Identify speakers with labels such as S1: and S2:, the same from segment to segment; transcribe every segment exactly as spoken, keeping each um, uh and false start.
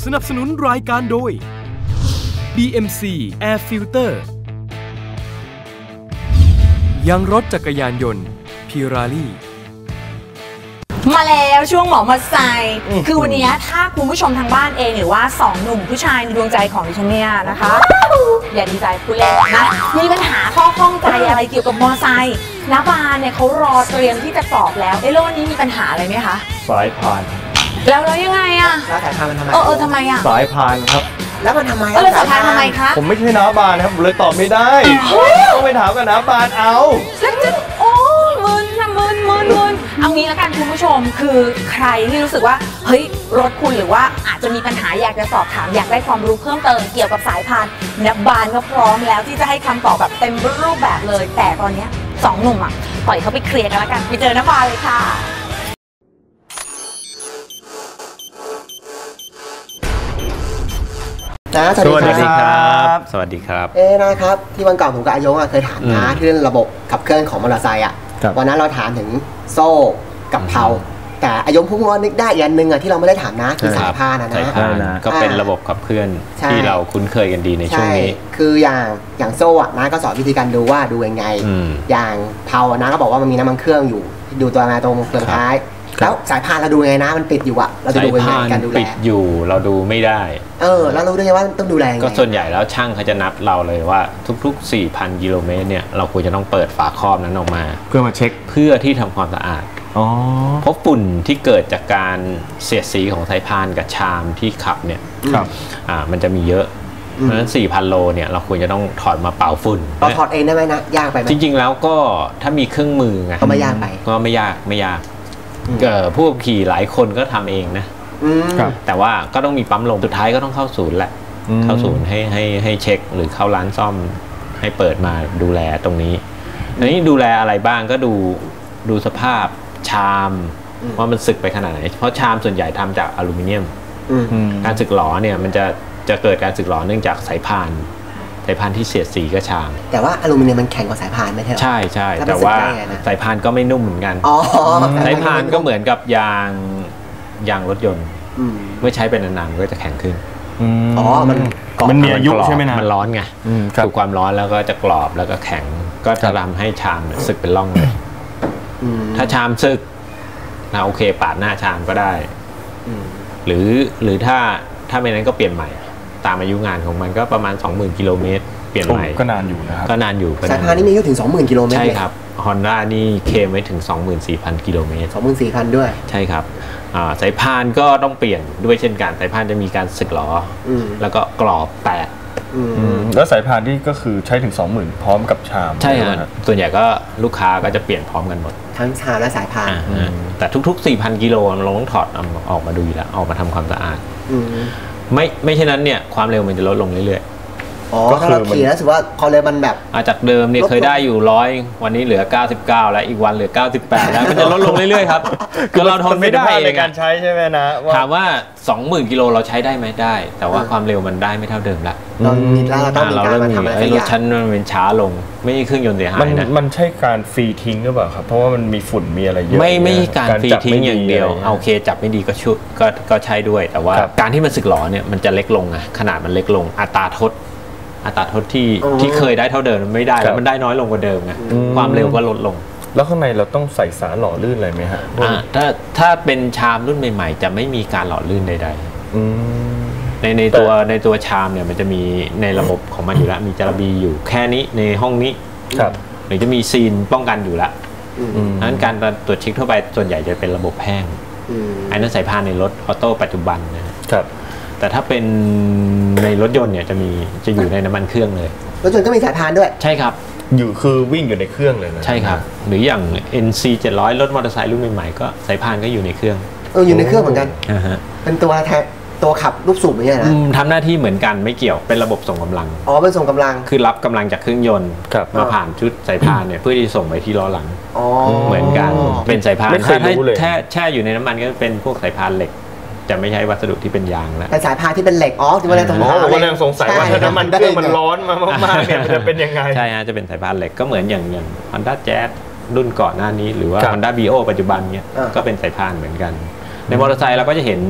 S1: สนับสนุนรายการโดย บี เอ็ม ซี Air Filter ยังรถจักรยานยนต์พิราลี่
S2: มาแล้วช่วงหมอมอไซค์คือวันนี้ถ้าคุณผู้ชมทางบ้านเองหรือว่าสองหนุ่มผู้ชายในดวงใจของดิฉันเนี่ยนะคะอย่าดีใจพูดเล่นนะมีปัญหาข้อข้องใจอะไรเกี่ยวกับมอไซค์น้าบานเนี่ยเขารอเตรียมที่จะสอบแล้วไอ้โลกนี้มีปัญหาอะไรไหมคะ
S3: สายพาน
S2: แล้วแล้วยังไงอะ
S4: แล้วสายพานมันทำไม
S2: เออเออทำไมอะ
S3: สายพานครับ
S4: แล้วมันทำไม
S2: เออสายพานทำไมคะ
S3: ผมไม่ใช่น้าบานครับเลยตอบไม่ได้ต้องไปถามกับน้าบานเอา
S2: แล้วจะโอ้มึนนะมึนมึนมึนเอางี้แล้วกันคุณผู้ชมคือใครที่รู้สึกว่าเฮ้ยรถคุณหรือว่าอาจจะมีปัญหาอยากจะสอบถามอยากได้ความรู้เพิ่มเติมเกี่ยวกับสายพานน้าบานก็พร้อมแล้วที่จะให้คำตอบแบบเต็มรูปแบบเลยแต่ตอนนี้สองหนุ่มอ่ะปล่อยเขาไปเคลียร์กันแล้วกันไปเจอน้าบานเลยค่ะ
S4: นะสวัสดีครับ
S3: สวัสดีครับ
S4: เอ๊นะครับที่วันก่อนผมกับอายงเคยถามนะเรื่องระบบขับเคลื่อนของมอเตอร์ไซค์อ่ะวันนั้นเราถามถึงโซ่กับเพลาแต่อายงพุ่งว่านึกได้อีกอันนึงอ่ะที่เราไม่ได้ถามนะคือสายพานนะ
S3: สายพานก็เป็นระบบขับเคลื่อนที่เราคุ้นเคยกันดีในช่วงนี้
S4: คืออย่างอย่างโซ่อ่ะนะก็สอนวิธีการดูว่าดูยังไงอย่างเพลานะก็บอกว่ามันมีน้ำมันเครื่องอยู่ดูตัวมาตรงเฟืองท้ายแล้วสายพานเราดูไงนะมันปิดอยู่อะเราจะดูยังไงการดูแล
S3: ปิดอยู่เราดูไม่ได้
S4: เออแล้วรู้ได้ไงว่าต้องดูแลไง
S3: ก็ส่วนใหญ่แล้วช่างเขาจะนับเราเลยว่าทุกๆ สี่พัน กิโลเมตรเนี่ยเราควรจะต้องเปิดฝาครอบนั้นออกมา
S5: เพื่อมาเช็ค
S3: เพื่อที่ทำความสะอาดเพราะฝุ่นที่เกิดจากการเสียดสีของสายพานกับชามที่ขับเนี่ยอ่ามันจะมีเยอะเพราะฉะนั้น สี่พัน โลเนี่ยเราควรจะต้องถอดมาเป่าฝุ่น
S4: เราถอดเองได้ไหมนะยากไปไหม
S3: จริงๆแล้วก็ถ้ามีเครื่องมือไง
S4: ก็ไม่ยากไป
S3: ก็ไม่ยากไม่ยากผู้ขี่หลายคนก็ทำเองนะแต่ว่าก็ต้องมีปั๊มลมสุดท้ายก็ต้องเข้าศูนย์แหละเข้าศูนย์ให้ให้ให้เช็คหรือเข้าร้านซ่อมให้เปิดมาดูแลตรงนี้อันนี้ดูแลอะไรบ้างก็ดูดูสภาพชามว่ามันสึกไปขนาดไหนเพราะชามส่วนใหญ่ทำจากอลูมิเนียมการสึกหรอเนี่ยมันจะจะเกิดการสึกหรอเนื่องจากสายพานสายพานที่เสียดสีก็ชาม
S4: แต่ว่าอลูมิเนียมมันแข็งกว่าสายพานไม่ใช่หรอ
S3: ใช่ใช่แต่ว่าสายพานก็ไม่นุ่มเหมือนกันสายพานก็เหมือนกับยางยางรถยนต์เมื่อใช้เป็นนานๆก็จะแข็งขึ้น
S4: อ๋อมัน
S5: มันมีอายุใช่ไหมนะ
S3: มันร้อนไงถูกความร้อนแล้วก็จะกรอบแล้วก็แข็งก็จะทำให้ชามสึกเป็นร่องเลยถ้าชามสึกนะโอเคปาดหน้าชามก็ได้หรือหรือถ้าถ้าไม่นั้นก็เปลี่ยนใหม่ตามอายุงานของมันก็ประมาณ สองหมื่น กิโลเมตรเปลี่ยนใหม่
S5: ก็นานอยู่นะครับ
S3: ก็นานอยู่
S4: สายพานนี่มีอายุถึง สองหมื่น กิโลเมตร
S3: ใช่ครับ Honda นี่เคลมไว้ถึง สองหมื่นสี่พัน กิโลเมตร
S4: สองหมื่นสี่พัน ด้วย
S3: ใช่ครับสายพานก็ต้องเปลี่ยนด้วยเช่นกันสายพานจะมีการสึกหรอแล้วก็กรอบแตก
S5: แล้วสายพานที่ก็คือใช้ถึง สองหมื่น พร้อมกับชาม
S3: ใช่ครับส่วนใหญ่ก็ลูกค้าก็จะเปลี่ยนพร้อมกันหมด
S4: ทั้งชามและสายพาน
S3: แต่ทุกๆ สี่พัน กิโลเราต้องถอดออกมาดูอยู่แล้วออกมาทำความสะอาดไม่ไม่เช่นนั้นเนี่ยความเร็วมันจะลดลงเรื่อย
S4: ๆอ๋อก็คือขี่แล้วถือว่าความเร็วมันแบบ
S3: จากเดิมเนี่ยเคยได้อยู่ร้อยวันนี้เหลือเก้าสิบเก้าแล้วอีกวันเหลือเก้าสิบแปดแล้วมันจะลดลงเรื่อยๆครับก็เราทนไม่ได้
S5: ในการใช้ใช่ไหมนะ
S3: ถามว่า สองหมื่น กิโลเราใช้ได้ไหมได้แต่ว่าความเร็วมันได้ไม่เท่าเดิมละ
S4: เรามีแล้วเราต้องมีการมาทำอะไร
S3: รถชั้นมันเป็นช้าลงไม่ใช่เครื่องยนต์เสียหายนะ
S5: มันใช่การฟรีทิ้งหรือเปล่าครับเพราะว่ามันมีฝุ่นมีอะไรเยอะ
S3: ไม่ไม่การฟรีทิ้งอย่างเดียวโอเคจับไม่ดีก็ชุดก็ก็ใช้ด้วยแต่ว่าการที่มันสึกหรอเนี่ยมันจะเล็กลงอะขนาดมันเล็กลงอัตราทดอัตราทดที่ที่เคยได้เท่าเดิมไม่ได้แล้วมันได้น้อยลงกว่าเดิมไงความเร็วก็ลดลง
S5: แล้วข้างในเราต้องใส่สารหล่อลื่นอะไรไหมฮะ
S3: ถ้าถ้าเป็นชามรุ่นใหม่ๆจะไม่มีการหล่อลื่นใดๆในในตัวในตัวชามเนี่ยมันจะมีในระบบของมันอยู่แล้วมีจาระบีอยู่แค่นี้ในห้องนี้หรือจะมีซีนป้องกันอยู่แล้วดังนั้นการตรวจเช็คทั่วไปส่วนใหญ่จะเป็นระบบแห้งอันนั้นสายพานในรถออโต้ปัจจุบันนะครับแต่ถ้าเป็นในรถยนต์เนี่ยจะมีจะอยู่ในน้ำมันเครื่องเลย
S4: รถยนต์ก็มีสายพานด้วย
S3: ใช่ครับ
S5: อยู่คือวิ่งอยู่ในเครื่องเลยนะ
S3: ใช่ครับหรืออย่าง เอ็น ซี เจ็ดร้อย รถมอเตอร์ไซค์รุ่นใหม่ๆก็สายพานก็อยู่ในเครื่อง
S4: เอออยู่ในเครื่องเหมือนกันเป็นตัวแทนตัวขับลูกสูบไม่ใช่นะ
S3: ทำหน้าที่เหมือนกันไม่เกี่ยวเป็นระบบส่งกำลัง
S4: อ๋อเป็นส่งกำลัง
S3: คือรับกำลังจากเครื่องยนต์มาผ่านชุดสายพานเนี่ยเพื่อที่ส่งไปที่ล้อหลังเหมือนกันเป็นสายพานถ้าแช่แช่อยู่ในน้ำมันก็เป็นพวกสายพานเหล็กจะไม่ใช้วัสดุที่เป็นยางแล้ว
S4: แต่สายพานที่เป็นเหล็กอ๋อที่ว่าเราสงสัย
S5: ว่าเราสงสัยว่าถ้าน้ำมันเครื่องมันร้อนมากๆเนี่ยมันจะเป็นยังไง
S3: ใช่ฮะจะเป็นสายพานเหล็กก็เหมือนอย่างอย่าง Honda Jazz รุ่นก่อนหน้านี้หรือว่า Honda Brio ปัจจุบันเนี่ยก็เป็นสายพานเหมือนกันในมอเตอร์ไซค์เราก็จะเห็น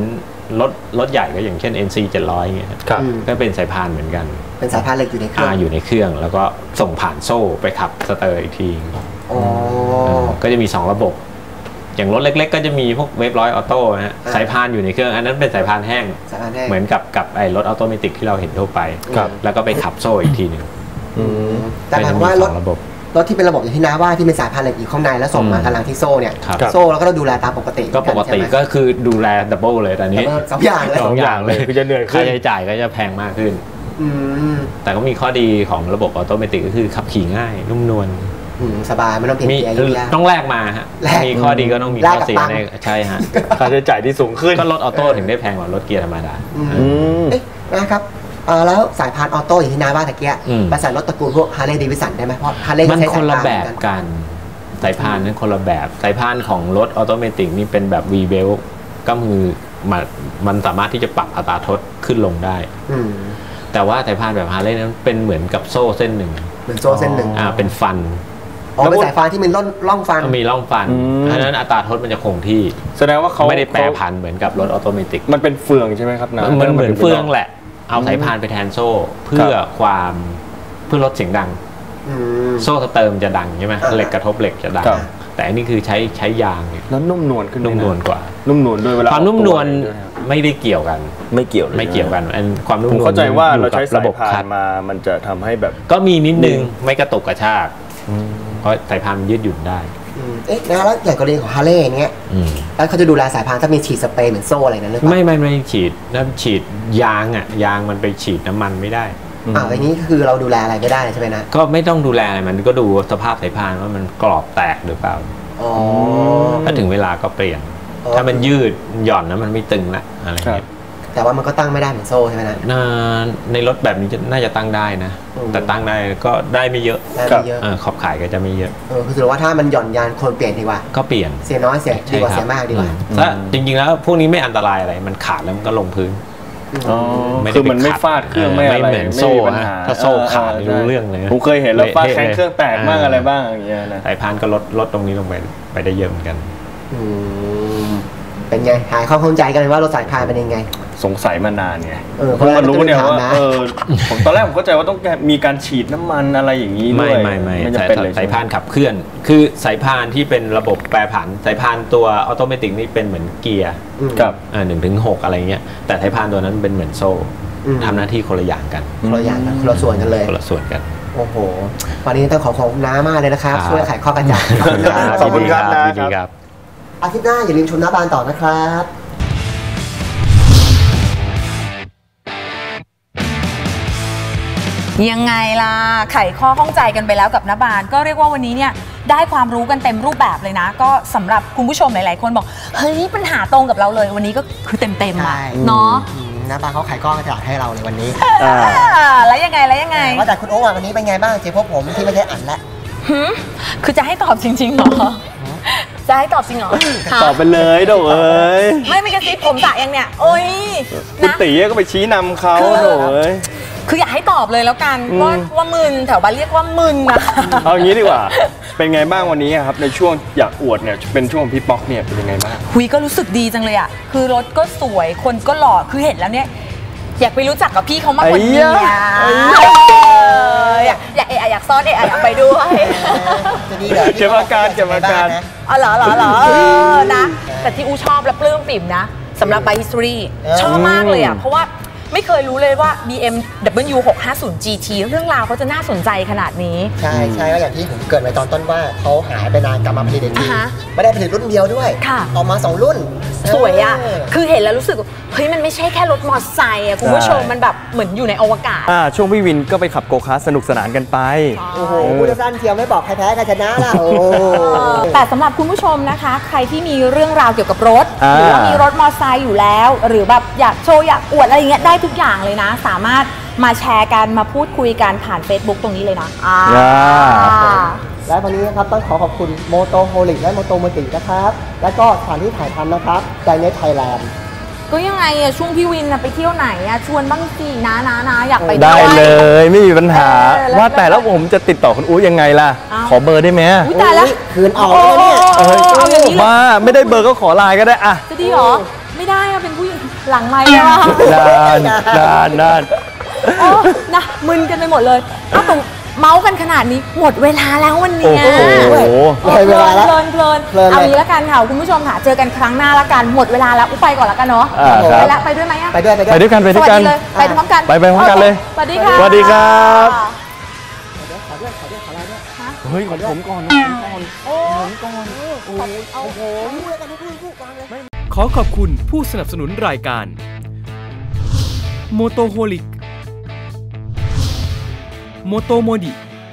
S3: รถรถใหญ่ก็อย่างเช่น เอ็น ซี เจ็ดร้อยเงี้ย
S5: ครับ
S3: ก็เป็นสายพานเหมือนกัน
S4: เป็นสายพานเหล็กอยู่ในเครื่อง
S3: อ่าอยู่ในเครื่องแล้วก็ส่งผ่านโซ่ไปขับสเตอร์อีกที
S4: อ๋อ
S3: ก็จะมีสองระบบ อย่างรถเล็กๆ ก็จะมีพวกเวฟร้อยออโต้นะฮะสายพานอยู่ในเครื่องอันนั้นเป็นสายพานแห้ง
S4: สายพานแห้ง
S3: เหมือนกับกับไอ้รถออโตเมติกที่เราเห็นทั่วไป
S5: ครับ
S3: แล้วก็ไปขับโซ่อีกทีหนึ่ง
S4: แต่หมายว่ารถ
S3: เป็นระบบ
S4: รถที่เป็นระบบอย่างที่น้าว่าที่เป็นสายพานเหล็กอยู่ข้างในแล้วส่งมากำลังที่โซ่เนี่ย
S3: ครับ
S4: โซ่เราก็ต้องดูแลตามปกติ
S3: ก็ปกติ
S4: ใช่ไหม
S3: ก็คือดูแลดับเบิลเลยแต่นี้
S4: สองอย่างเลย
S3: สองอย่างเลย
S5: คือจะเหนื่อยขึ้
S3: ค่าน ใช้จ่ายก็จะแพงมากขึ้น
S4: อืม
S3: แต่ก็มีข้อดีของระบบออโตเมติกก็คือขับขี่ง่ายนุ่มนวล
S4: อืมสบายไม่ต้องเปลี่ยน
S3: มี
S4: เกียร์ยุ่งยาก
S3: ต้องแลกมาฮะ
S4: แลก
S3: มีข้อดีก็ต้องมี
S4: แล
S3: ข้
S4: ก
S3: อ
S4: กับ
S3: เสีย
S4: ตังค์
S3: ในใช่ฮะ
S5: ค่าใช้จ่ายที่สูงขึ้น
S3: ก็รถออโต้ถึงได้แพงกว่ารถเกียร์ธรรมดา
S4: อืม
S5: อืม
S4: เอ๊ะนะครับเอ่อแล้วสายพานออโต้อย่างที่น้าว่าตะเกีย
S3: อืม
S4: ไปใส่รถตระกูลพวกฮาร์เลย์เดวิสันได้ไหมเพราะฮาร์เลย์
S3: มัน
S4: ใช้
S3: คนละ
S4: สายพา
S3: แบบ
S4: เหมือนกัน
S3: กันสายพานนั้นคนละแบบสายพานของรถออโตเมติกนี่เป็นแบบ V belt ก็คือมันมันสามารถที่จะปรับอัตราทดขึ้นลงได้
S4: อืม
S3: แต่ว่าสายพานแบบฮาร์เลย์นั้นเป็นเหมือนกับโซ่เส้นหนึ่ง
S4: เหมือนโซ่เส้นหนึ่ง
S3: อ่าเป็นฟัน
S4: อ๋อเป็นสายพานที่มีร่องร่องฟัน
S3: มีร่องฟัน
S5: อืม
S3: อันนั้นอัตราทดมันจะคงที่
S5: แสดงว่าเขา
S3: ไม่ได้แปรผันเหมือนกับรถออโตเมติก
S5: มันเป็นเฟืองใช่ไหมครับนะ
S3: มันเหมือนเฟืองแหละ เอาสายพานไปแทนโซ่ เพื่อความเพื่อลดเสียงดัง
S4: อืม
S3: โซ่สเติมจะดังใช่ไหม
S4: อ่า
S3: เหล็กกระทบเหล็กจะดัง
S5: ครับ
S3: แต่อันนี้คือใช้ใช้ยางเนี่ย
S5: แล้วนุ่มนวลขึ้นไห
S3: นุ่มนวลกว่า
S5: นุ่มนวลด้วยเวลา
S3: ความนุ่มนวล
S5: ออกตัวด้วยครับ
S3: ไม่ได้เกี่ยวกัน
S5: ไม่เกี่ยวเลย
S3: ไม่เกี่ยวกันอันความนุ่ม
S5: ผม
S3: นวล
S5: เข้าใจว่า
S3: อยู่
S5: เรา
S3: กับ
S5: ใช้สา
S3: ระ
S5: ย
S3: บบ
S5: พา
S3: คั
S5: น
S3: ด
S5: มามันจะทำให้แบบ
S3: ก็มีนิดนึงไม่กระตุกกระชาก เพราะสายพานมันยืดหยุ่นได้
S4: อืมเอ๊ะนะแล้วอย่างกรณีของฮาร์เลย์เนี้ย
S3: อืม
S4: แล้วเขาจะดูแลสายพานถ้ามีฉีดสเปรย์เหมือนโซ่อะไรนั้นหรือเปล่า
S3: ไม่ไม่ไม่ฉีดน้ำฉีดยางอ่ะยางมันไปฉีดน้ำมันไม่ได้
S4: อ่าอย่างนี้คือเราดูแลอะไรไม่ได้ใช่ไหมนะ
S3: ก็ไม่ต้องดูแลอะไรมันก็ดูสภาพสายพานว่ามันกรอบแตกหรือเปล่า
S4: อ๋อ
S3: ถ้าถึงเวลาก็เปลี่ยน
S4: อ๋อ
S3: ถ้ามันยืดหย่อนแล้วมันไม่ตึงละอะไรเงี้ย
S4: แต่ว่ามันก็ตั้งไม่ได้เหมือนโซ่ใช่ไหมนะ
S3: น่าในรถแบบนี้จะน่าจะตั้งได้นะ
S4: อืม
S3: แต่ตั้งได้ก็ได้ไม่เยอะ
S4: ได้ไม่เยอะ
S3: เออขอบขายก็จะไม่เยอะ
S4: เออคือถือว่าถ้ามันหย่อนยานควรเปลี่ยนดีกว่า
S3: ก็เปลี่ยน
S4: เสียน้อยเสียดีกว่าเสียมากดีกว่า
S3: อืมถ้าจริงๆแล้วพวกนี้ไม่อันตรายอะไรมันขาดแล้วมันก็ลงพื้น
S5: อ๋อ
S3: ไม่ได้
S5: คือมันไม่
S3: ไปขัด
S5: ฟาดเครื่อง
S3: เออ
S5: ไม่อะไร
S3: ไม่เหมือนโซ่
S5: ไปัญห
S3: นะถ้าโซ่ขาดนี่รู้เรื่องเลย
S5: ผมเคยเห็นแล้วฟาดแข้ง
S3: เละ
S5: เครื่องแตกบ้าง
S3: เอออ
S5: อะไรบ้างอย่างเงี้ยนะ
S3: สายพานก็ลดลดตรงนี้ลงไปไปได้เยอะเหมือนกัน
S4: อืมเป็นไงหายข้อข้องใจกันว่ารถสายพานเป็นยังไง
S5: สงสัยมานานไง
S4: เออ
S5: เพิ่งมารู้เนี่ยว่า
S4: ถามนะ
S5: เออผมตอนแรกผมเข้าใจว่าต้องมีการฉีดน้ำมันอะไรอย่างนี้ด้
S3: ไม่
S5: วย
S3: ไม่ไม่
S5: ไม่จะ
S3: สาย
S5: เป็นเลย
S3: สายพานขับเคลื่อน คือสายพานที่เป็นระบบแปรผันสายพานตัวออโตเมติกนี่เป็นเหมือนเกียร์
S4: อืม
S5: กับ
S3: อ่าหนึ่งถึงหกอะไรเงี้ยแต่สายพานตัวนั้นเป็นเหมือนโซ่
S4: อืม
S3: ทำหน้าที่คนละอย่างกัน
S4: คนละอย่างกันคนละส่วนกันเลย
S3: คนละส่วนกัน
S4: โอ้โห วันนี้ต้องขอขอบคุณน้ามากเลยนะครับ
S3: ครับ
S4: ช่วยไขข้อกระจ่าง
S5: ขอบคุณครับ
S3: ยิน
S5: นะ
S3: ดีครับ
S4: อาทิตย์หน้าอย่าลืมชมน้าบานต่อนะครับ
S2: ยังไงล่ะไขข้อข้องใจกันไปแล้วกับนบานก็เรียกว่าวันนี้เนี่ยได้ความรู้กันเต็มรูปแบบเลยนะ ก็สำหรับคุณผู้ชมหลายๆคนบอกเฮ้ยปัญหาตรงกับเราเลยวันนี้ก็คือเต็มๆอะเนาะ
S4: อืมน้าบานเขาไขข้อกระจ่างให้เราในวันนี้
S5: อ่า
S2: อ่าแล้วยังไงแล้วยังไง
S4: ว่าแต่คุณโอ๊ควันนี้เป็นไงบ้างเจอพวกผมที่ไม่ใช่อันละ
S2: หืมคือจะให้ตอบจริงๆเหรอจะให้ตอบจริงเหรอฮะ
S5: ตอบไปเลยโดเอ้ย
S2: ไม่ไม่กระซิบผมสระยังเนี่ยโอ้ย
S5: คุณ
S2: นะ
S5: ตีก็ไปชี้นำเขา
S2: คือ
S5: โดเอ้ย
S2: คืออยากให้ตอบเลยแล้วกัน
S5: อืม
S2: ว่าว่ามึนแถวบ้านเรียกว่ามึนนะ
S5: เอางี้ดีกว่า เป็นไงบ้างวันนี้อะครับในช่วงอยากอวดเนี่ยเป็นช่วงของพี่ป๊อกเนี่ยเป็นยังไงบ้าง
S2: หุยก็รู้สึกดีจังเลยอ่ะคือรถก็สวยคนก็หล่อคือเห็นแล้วเนี่ยอยากไปรู้จักกับพี่เขามากกว่านี้
S5: ไอ้
S2: อ่ะ
S5: ยะ
S2: เอออยากอยากเอะอะอยากซ่อนเอะอะอยากไปด้วย
S4: จะดีเหรอ
S5: เก็บอาการเก็บอาการ
S2: อ๋อเหรอเหรอเหรอเออนะ แต่ที่อูชอบและปลื้มปิ่มนะสำหรับ By History ชอบมากเลยอ่ะ เพราะว่าไม่เคยรู้เลยว่า บี เอ็ม ดับเบิลยู หกห้าศูนย์ จี ที เรื่องราวเขาจะน่าสนใจขนาดนี้
S4: ใช่ใช่ก็อย่างที่ผมเกริดไว้ตอนต้นว่าเขาหายไปนานกลับมาผลิตอีกที
S2: อ่าฮะ
S4: ไม่ได้ผลิตรุ่นเดียวด้วย
S2: ค่ะ
S4: ออกมาสองรุ่น
S2: สวยอ่ะ
S4: เ
S2: คือเห็นแล้วรู้สึกว่าเฮ้ยมันไม่ใช่แค่รถมอเตอร์ไซค์อ่ะคุณผู้ชม
S5: ใช่
S2: มันแบบเหมือนอยู่ในอวกาศ
S5: อ่าช่วงพี่วินก็ไปขับโกคาร์ทสนุกสนานกันไป
S4: โอ้โหพูดสั้นเชียวไม่บอกใครแพ้ใครชนะล่ะโอ้
S2: แต่สำหรับคุณผู้ชมนะคะ ใครที่มีเรื่องราวเกี่ยวกับรถ
S5: อ่า
S2: หรือว่ามีรถมอเตอร์ไซค์อยู่แล้ว หรือแบบอยากโชว์อยากอวดอะไรอย่างเงี้ยได้ทุกอย่างเลยนะ สามารถมาแชร์กันมาพูดคุยกันผ่าน Facebook ตรงนี้เลยนะอ่า
S4: และวันนี้นะครับต้องขอขอบคุณโมโตโฮลิกและโมโตโมตินะครับ และก็สถานที่ถ่ายทำนะครับใจเน็ตไทยแลนด์
S2: ก็ยังไงอะช่วงพี่วินอะไปเที่ยวไหนอะชวนบ้างสินะนะนะอยากไป
S5: ได้
S2: วย
S5: เลยไม่มีปัญหา
S2: เออแล้ว
S5: ว่าแต่แล้วผมจะติดต่อคุณอู๋ยังไงล่ะ
S2: อ้าว
S5: ขอเบอร์ได้ไหม
S2: อุ๊ยตายแล้ว
S4: คืนออกแล้วเนี่ย
S2: โอ้โหเอาอย่างนี้เลย
S5: ว่าไม่ได้เบอร์ก็ขอไลน์ก็ได้อะ
S2: จะดีเหรอไม่ได้อะเป็นผู้หญิงหลังไมค์ใช่ไหม
S5: นานนานนาน
S2: โอ้นะมึนกันไปหมดเลยถ้าตรงเมาส์กันขนาดนี้หมดเวลาแล้ววันนี้
S5: โอ้โห
S4: เลยเวลาแล้ว
S2: เพลินเพลิน
S4: เพลินเลย
S2: เอางี้ละกันค่ะคุณผู้ชมค่ะเจอกันครั้งหน้าละกันหมดเวลาแล้วอุ๊ยไปก่อนละกันเนาะ
S5: อ่าครับ
S2: ไปละไปด้วยไหมอะ
S4: ไปด้วยไป
S5: ไป
S4: ด้วย
S5: ด้วยกันไป
S2: ส
S5: ด้วย
S2: วัส
S5: กัน
S2: ดีเลยไปพร้อมกัน
S5: ไปไปพร้อมกันเลย
S2: สวัสดีค่ะ
S5: สวัสดีครับ
S4: ขอด้วยขอด้วยขอเราด้วย
S5: เฮ้ยของผมก่อน
S2: โอ้
S4: โอ้โหเอาโหพูดกันพูดพูดฟังเลย
S1: ขอขอบคุณผู้สนับสนุนรายการ Motoholic Motomodi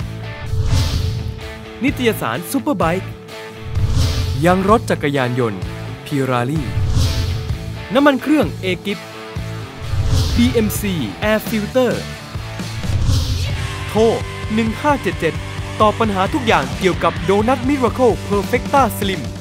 S1: นิตยสารซุปเปอร์ไบค์ยังรถจักรยานยนต์พิราลี่น้ำมันเครื่องเอกิฟ บี เอ็ม ซี Air Filter โทรหนึ่งห้าเจ็ดเจ็ดตอบปัญหาทุกอย่างเกี่ยวกับโดนัทมิราเคิลเพอร์เฟกต้าสลิม